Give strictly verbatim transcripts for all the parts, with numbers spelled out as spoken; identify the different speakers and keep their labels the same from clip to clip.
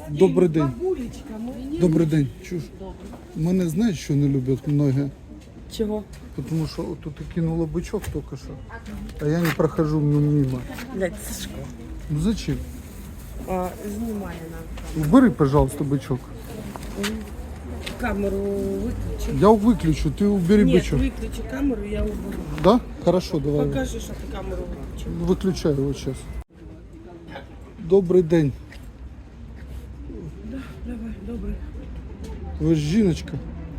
Speaker 1: Добрий день.
Speaker 2: Бабулечка, мені.
Speaker 1: Добрий день. Чуш. Мене знаєш, що не люблять многі?
Speaker 2: Чого?
Speaker 1: Тому що тут і кинула бичок тільки що, а я не прохожу мимо.
Speaker 2: Блядь, Сашко.
Speaker 1: Ну зачем?
Speaker 2: А, знімає нам.
Speaker 1: Убери, пожалуйста, бичок.
Speaker 2: Камеру виключи.
Speaker 1: Я выключу, ты убери
Speaker 2: Ні,
Speaker 1: бичок.
Speaker 2: виключи камеру, я уберу.
Speaker 1: Да? Хорошо, давай.
Speaker 2: Покажи, що ти камеру виключив.
Speaker 1: Выключаю его сейчас. Добрий день.
Speaker 2: Да, давай, добре.
Speaker 1: Ви ж жіночка.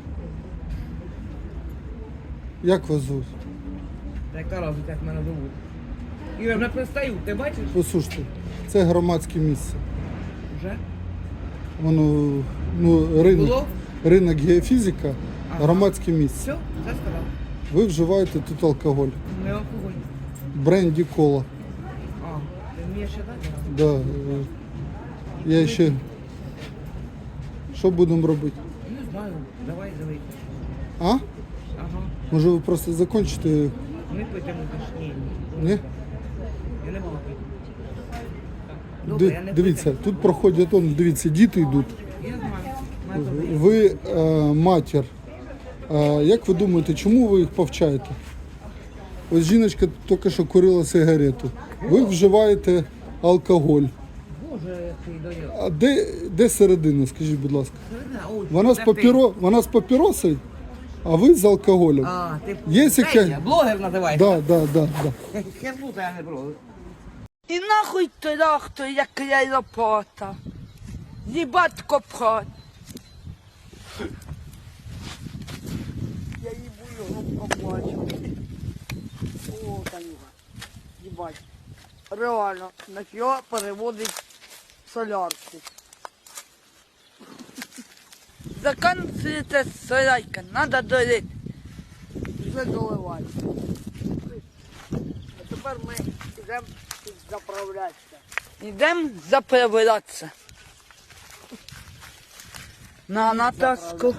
Speaker 1: Як вас звуть?
Speaker 3: Яка разниця, як мене зовуть? Ігор, вже пристаю, ти бачиш?
Speaker 1: Послухайте, це громадське місце.
Speaker 3: Вже?
Speaker 1: Воно, ну, ринок,
Speaker 3: Було?
Speaker 1: ринок геофізика,
Speaker 3: Ага.
Speaker 1: громадське місце.
Speaker 3: Все, все сказав.
Speaker 1: Ви вживаєте тут алкоголь.
Speaker 3: Не алкоголь.
Speaker 1: Бренді кола.
Speaker 3: А, ти вмієш читати?
Speaker 1: Да. е, Я ще... Що будемо робити?
Speaker 3: Не знаю, давай, давай.
Speaker 1: А?
Speaker 3: Ага.
Speaker 1: Може ви просто закінчите?
Speaker 3: Ми пойдемо до ні.
Speaker 1: Ні?
Speaker 3: Я не буду пити. Добре, я
Speaker 1: Ди-
Speaker 3: не
Speaker 1: Дивіться, тут проходять, он, дивіться, діти йдуть.
Speaker 3: Я знаю. Мене добре.
Speaker 1: Ви е, матір. Е, як ви думаєте, чому ви їх повчаєте? Ось жіночка тільки що курила сигарету. Ви вживаєте алкоголь.
Speaker 3: Боже, який дає.
Speaker 1: А де, де середина, скажіть, будь ласка?
Speaker 3: Ой,
Speaker 1: Вона з,
Speaker 3: це ти.
Speaker 1: папіро, вона з папіросою, а ви з алкоголем.
Speaker 3: А, ти
Speaker 1: Є
Speaker 3: Це
Speaker 1: яке-
Speaker 3: я, блогер називаєшся?
Speaker 1: Да, да, да, да.
Speaker 3: Хернута я не блогер.
Speaker 4: І нахуй трактор, як я лопата. Їбать копать. Я їбу його побачу. О, Танюга. Їбать. Реально, на його переводить солярку. Заканчується солярка, надо долити. Вже доливати. А тепер ми йдемо заправлятися. Йдемо заправлятися. На натаску.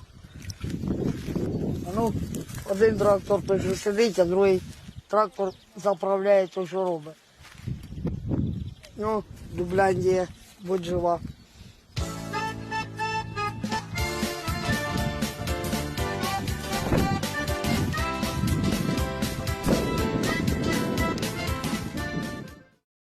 Speaker 4: Ну, один трактор той що сидить, а другий трактор заправляє то, що робить. Ну, Дубляндія, будь жива.